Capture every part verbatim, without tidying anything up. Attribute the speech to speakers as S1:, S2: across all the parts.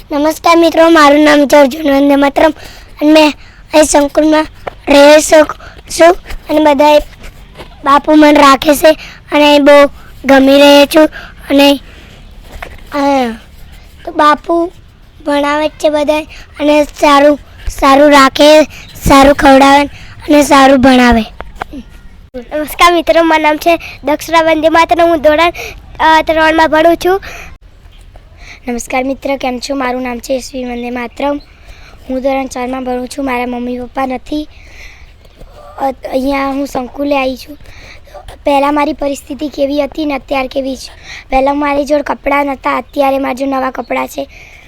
S1: નમસ્કાર મિત્રો, મારું નામ છે અર્જુન વંદે માતરમ અને મેં અહીં સંકુલમાં રહી છું અને બધા બાપુ મને રાખે છે અને અહીં બહુ ગમી રહે છું. અને તો બાપુ ભણાવે છે બધા અને સારું સારું રાખે, સારું ખવડાવે અને સારું ભણાવે. નમસ્કાર મિત્રો, મારું નામ છે દક્ષરા વંદે માતરમ. હું ધોરણ ત્રણમાં ભણું છું. નમસ્કાર મિત્ર, કેમ છો? મારું નામ છે યશવી વંદે માતરમ. હું ધોરણ ચારમાં ભણું છું. મારા મમ્મી પપ્પા નથી. અહીંયા હું સંકુલે આવી છું. પહેલાં મારી પરિસ્થિતિ કેવી હતી ને અત્યારે કેવી છે. પહેલાં મારી જોડે કપડાં નહોતા, અત્યારે મારી જોડે નવા કપડાં છે.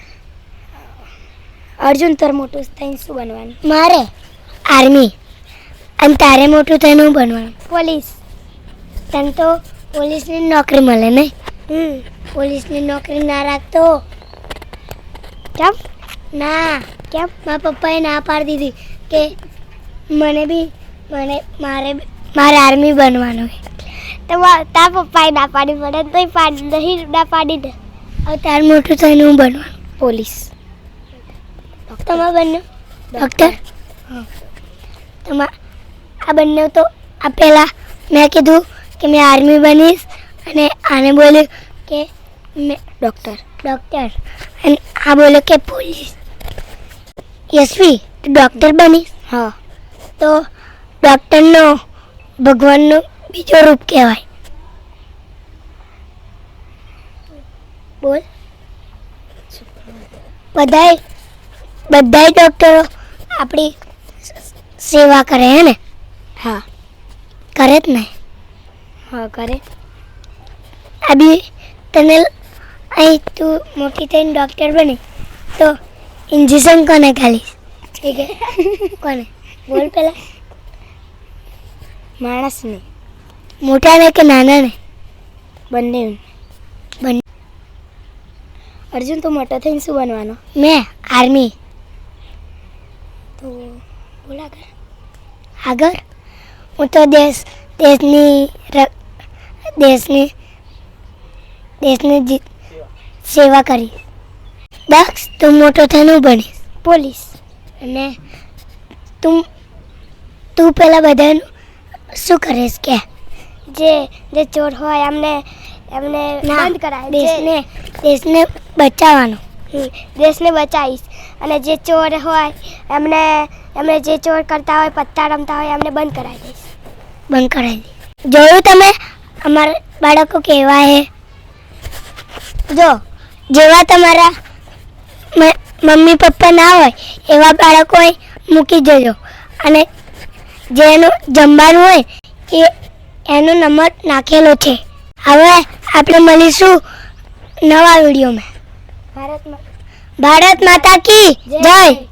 S1: અર્જુન, તારે મોટું થઈને શું બનવાનું? મારે આર્મી. અને તારે મોટું થઈને શું બનવાનું? પોલીસ. તને તો પોલીસની નોકરી મળે ને? હમ પોલીસની નોકરી ના રાખતો. કેમ ના? કેમ? મારા પપ્પાએ ના પાડી દીધી કે મને બી મને મારે મારે આર્મી બનવાનું હોય. તો તારા પપ્પાએ ના પાડી પડે તો પાડી નહીં ના પાડી દે. હવે તારે મોટું થઈને હું બનવાનું? પોલીસ. તમારા બંને ડૉક્ટર? હા. તમારા આ બંને તો આ પહેલાં મેં કીધું કે મેં આર્મી બનીશ અને આને બોલ્યું કે મેં ડૉક્ટર ડૉક્ટર અને આ બોલ્યો કે પોલીસ. યશવી, તું ડૉક્ટર બનીશ? હા. તો ડૉક્ટરનો ભગવાનનો બીજો રૂપ કહેવાય. બોલ. બધાય બધાય ડૉક્ટરો આપણી સેવા કરે હે ને? હા, કરે જ ને? હા, કરે. આ બી તને અહીં તું મોટી થઈને ડૉક્ટર બને તો ઇન્જેક્શન કોને ખાલીશ? ઠીક હે? કોને? બોલ પહેલાં. માણસને. મોટાને કે નાનાને? બંને. બંને. અર્જુન, તું મોટો થઈને શું બનવાનો? મેં આર્મી. તો બોલ આગળ. આગળ હું તો દેશ દેશની દેશની દેશની સેવા કરી. દક્ષ, તું મોટો થઈને બનીશ? પોલીસ. અને તું તું પહેલાં બધાનું શું કરીશ કે? જે જે ચોર હોય એમને એમને બંધ કરાય. દેશને દેશને બચાવવાનો. દેશને બચાવીશ. અને જે ચોર હોય એમને એમને જે ચોર કરતા હોય, પત્તા રમતા હોય એમને બંધ કરાવી દઈશ. બંધ કરાવી દઈશ. જોયું તમે અમારા બાળકો કેવા હે? જો જેવા તમારા મમ્મી પપ્પા ના હોય એવા બાળકો મૂકી જજો. અને જેનું જમવાનું હોય એ એનો નંબર નાખેલો છે. હવે આપણે મળીશું નવા વિડીયોમાં. ભારત ભારત માતા કી જય.